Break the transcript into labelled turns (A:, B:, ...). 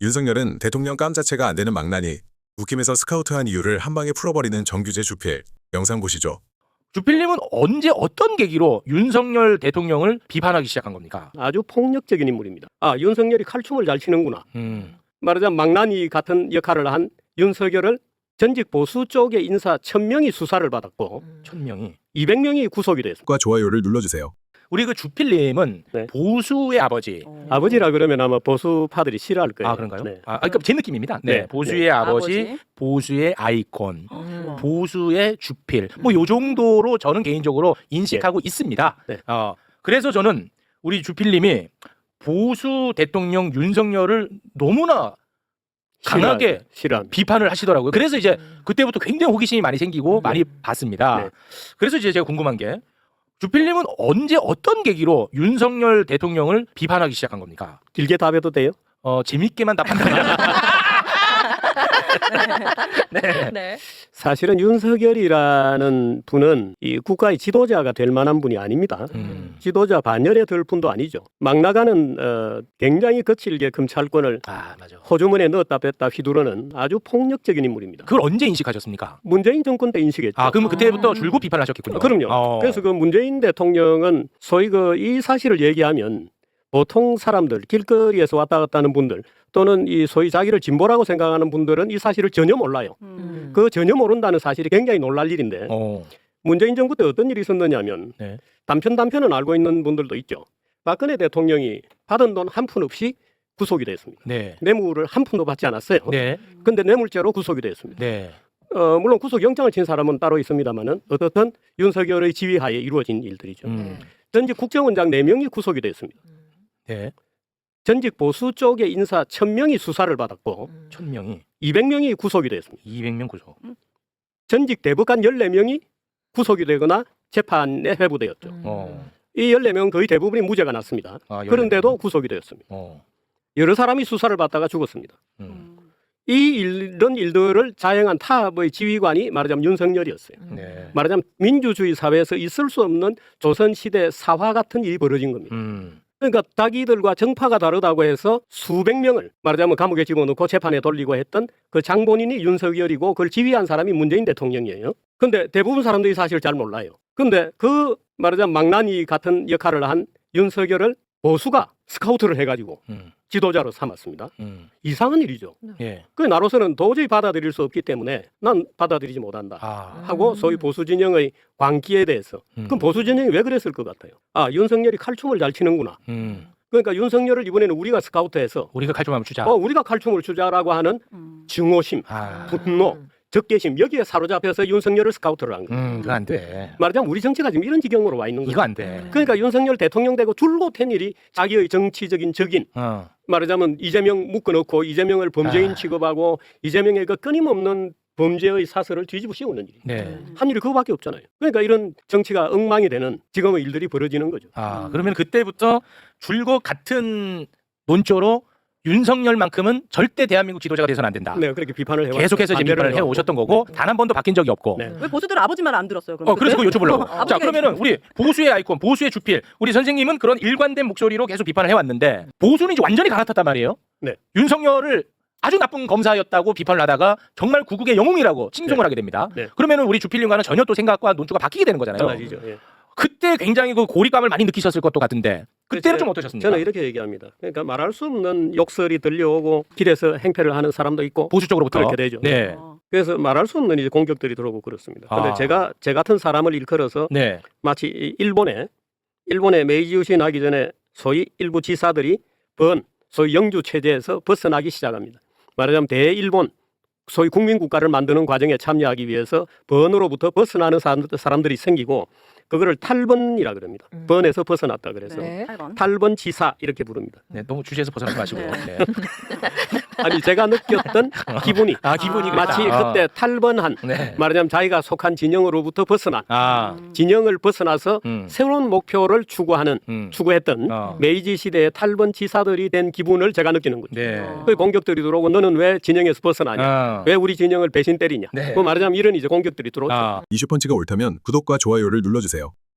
A: 윤석열은 대통령 감 자체가 안 되는 망나니 국힘에서 스카우트한 이유를 한 방에 풀어버리는 정규제 주필. 영상 보시죠.
B: 주필님은 언제 어떤 계기로 윤석열 대통령을 비판하기 시작한 겁니까?
C: 아주 폭력적인 인물입니다. 아, 윤석열이 칼춤을 잘 치는구나. 말하자면 망나니 같은 역할을 한 윤석열을 전직 보수 쪽의 인사 1000명이 수사를 받았고
B: 1000명이
C: 200명이 구속이 됐습니다.
A: 구독과 좋아요를 눌러주세요.
B: 우리 그 주필님은
C: 네.
B: 보수의 아버지.
C: 아버지라 그러면 아마 보수파들이 싫어할 거예요.
B: 아 그런가요?
C: 네.
B: 그러니까 제 느낌입니다. 네.
C: 네.
B: 보수의 아버지, 보수의 아이콘, 보수의 주필. 뭐 요 정도로 저는 개인적으로 인식하고 있습니다.
C: 네.
B: 그래서 저는 우리 주필님이 보수 대통령 윤석열을 너무나 강하게
C: 싫어합니다.
B: 비판을 하시더라고요. 그래서 이제 그때부터 굉장히 호기심이 많이 생기고 많이 봤습니다.
C: 네.
B: 그래서 이제 제가 궁금한 게 주필님은 언제 어떤 계기로 윤석열 대통령을 비판하기 시작한 겁니까?
C: 길게 답해도 돼요?
B: 재밌게만 답한다면. 네.
D: 네.
C: 사실은 윤석열이라는 분은 이 국가의 지도자가 될 만한 분이 아닙니다. 지도자 반열에 들 분도 아니죠. 막 나가는 굉장히 거칠게 검찰권을
B: 맞아.
C: 호주머니에 넣었다 뺐다 휘두르는 아주 폭력적인 인물입니다.
B: 그걸 언제 인식하셨습니까?
C: 문재인 정권 때 인식했죠.
B: 그럼 그때부터 줄곧 비판하셨겠군요.
C: 그럼요. 그래서 그 문재인 대통령은 소위 이 사실을 얘기하면 보통 사람들, 길거리에서 왔다 갔다 하는 분들 또는 이 소위 자기를 진보라고 생각하는 분들은 이 사실을 전혀 몰라요. 그 전혀 모른다는 사실이 굉장히 놀랄 일인데 문재인 정부 때 어떤 일이 있었느냐면
B: 네.
C: 단편은 알고 있는 분들도 있죠. 박근혜 대통령이 받은 돈 한 푼 없이 구속이 됐습니다.
B: 네.
C: 뇌물을 한 푼도 받지 않았어요.
B: 네.
C: 근데 뇌물죄로 구속이 됐습니다.
B: 네.
C: 물론 구속영장을 친 사람은 따로 있습니다만은 어떻든 윤석열의 지휘하에 이루어진 일들이죠. 전직 국정원장 4명이 구속이 됐습니다.
B: 네.
C: 전직 보수 쪽의 인사 1000명이 수사를 받았고
B: 1000명이
C: 200명이 구속이 됐습니다.
B: 200명 구속.
C: 전직 대법관 14명이 구속이 되거나 재판에 회부되었죠. 이 14명은 거의 대부분이 무죄가 났습니다. 그런데도 구속이 되었습니다. 여러 사람이 수사를 받다가 죽었습니다. 이런 일들을 자행한 탑의 지휘관이 말하자면 윤석열이었어요.
B: 네.
C: 말하자면 민주주의 사회에서 있을 수 없는 조선시대 사화 같은 일이 벌어진 겁니다. 그러니까 자기들과 정파가 다르다고 해서 수백 명을 말하자면 감옥에 집어넣고 재판에 돌리고 했던 그 장본인이 윤석열이고 그걸 지휘한 사람이 문재인 대통령이에요. 근데 대부분 사람들이 사실 잘 몰라요. 근데 그 말하자면 망나니 같은 역할을 한 윤석열을 보수가 스카우트를 해가지고 지도자로 삼았습니다. 이상한 일이죠.
B: 예.
C: 그 나로서는 도저히 받아들일 수 없기 때문에 난 받아들이지 못한다 하고 소위 보수 진영의 광기에 대해서 그럼 보수 진영이 왜 그랬을 것 같아요? 윤석열이 칼춤을 잘 치는구나. 그러니까 윤석열을 이번에는 우리가 스카우트해서
B: 우리가 칼춤 한번 추자.
C: 우리가 칼춤을 추자라고 하는 증오심, 분노, 적개심 여기에 사로잡혀서 윤석열을 스카우트를 한 거예요.
B: 그거 안 돼.
C: 말하자면 우리 정치가 지금 이런 지경으로 와 있는 거예요.
B: 이거 안 돼.
C: 그러니까 윤석열 대통령 되고 줄곧 한 일이 자기의 정치적인 적인 말하자면 이재명 묶어놓고 이재명을 범죄인 취급하고 이재명의 그 끊임없는 범죄의 사설을 뒤집어 씌우는 일이 한 일이 그거밖에 없잖아요. 그러니까 이런 정치가 엉망이 되는 지금의 일들이 벌어지는 거죠.
B: 그러면 그때부터 줄곧 같은 논조로 윤석열만큼은 절대 대한민국 지도자가 돼서는 안 된다.
C: 네, 그렇게 비판을 해왔죠.
B: 계속해서 지금 비판을 해오셨던 거고 단 한 번도 바뀐 적이 없고.
C: 네.
D: 왜 보수들 아버지만 안 들었어요? 그럼
B: 그래서 그거 여쭤보려고. 자,
D: 아버지가
B: 그러면은 우리 보수의 아이콘, 보수의 주필, 우리 선생님은 그런 일관된 목소리로 계속 비판을 해왔는데 보수는 이제 완전히 갈아탔단 말이에요.
C: 네.
B: 윤석열을 아주 나쁜 검사였다고 비판을 하다가 정말 구국의 영웅이라고 칭송을 하게 됩니다.
C: 네.
B: 그러면은 우리 주필님과는 전혀 또 생각과 논조가 바뀌게 되는 거잖아요.
C: 달라지죠. 예.
B: 그때 굉장히 그 고립감을 많이 느끼셨을 것도 같은데 그때는 좀 어떠셨습니까?
C: 저는 이렇게 얘기합니다. 그러니까 말할 수 없는 욕설이 들려오고 길에서 행패를 하는 사람도 있고
B: 보수 쪽으로부터
C: 그렇게 되죠.
B: 네.
C: 그래서 말할 수 없는 이제 공격들이 들어오고 그렇습니다. 근데 제 같은 사람을 일컬어서
B: 네.
C: 마치 일본에 메이지 유신 하기 전에 소위 일부 지사들이 소위 영주 체제에서 벗어나기 시작합니다. 말하자면 대일본 소위 국민국가를 만드는 과정에 참여하기 위해서 번으로부터 벗어나는 사람들이 생기고 그거를 탈번이라 그럽니다. 번에서 벗어났다 그래서
D: 네.
C: 탈번 지사 이렇게 부릅니다.
B: 네, 너무 주제에서 벗어나지 마시고. 네.
C: 아니 제가 느꼈던 기분이
B: 기분이
C: 마치 그때 탈번한 말하자면 자기가 속한 진영으로부터 벗어나 진영을 벗어나서 새로운 목표를 추구했던 메이지 시대의 탈번 지사들이 된 기분을 제가 느끼는 거죠.
B: 네.
C: 그 공격들이 들어오고 너는 왜 진영에서 벗어나냐? 왜 우리 진영을 배신 때리냐? 그 말하자면 이런 이제 공격들이 들어오죠.
A: 이슈펀치가 옳다면 구독과 좋아요를 눌러주세요.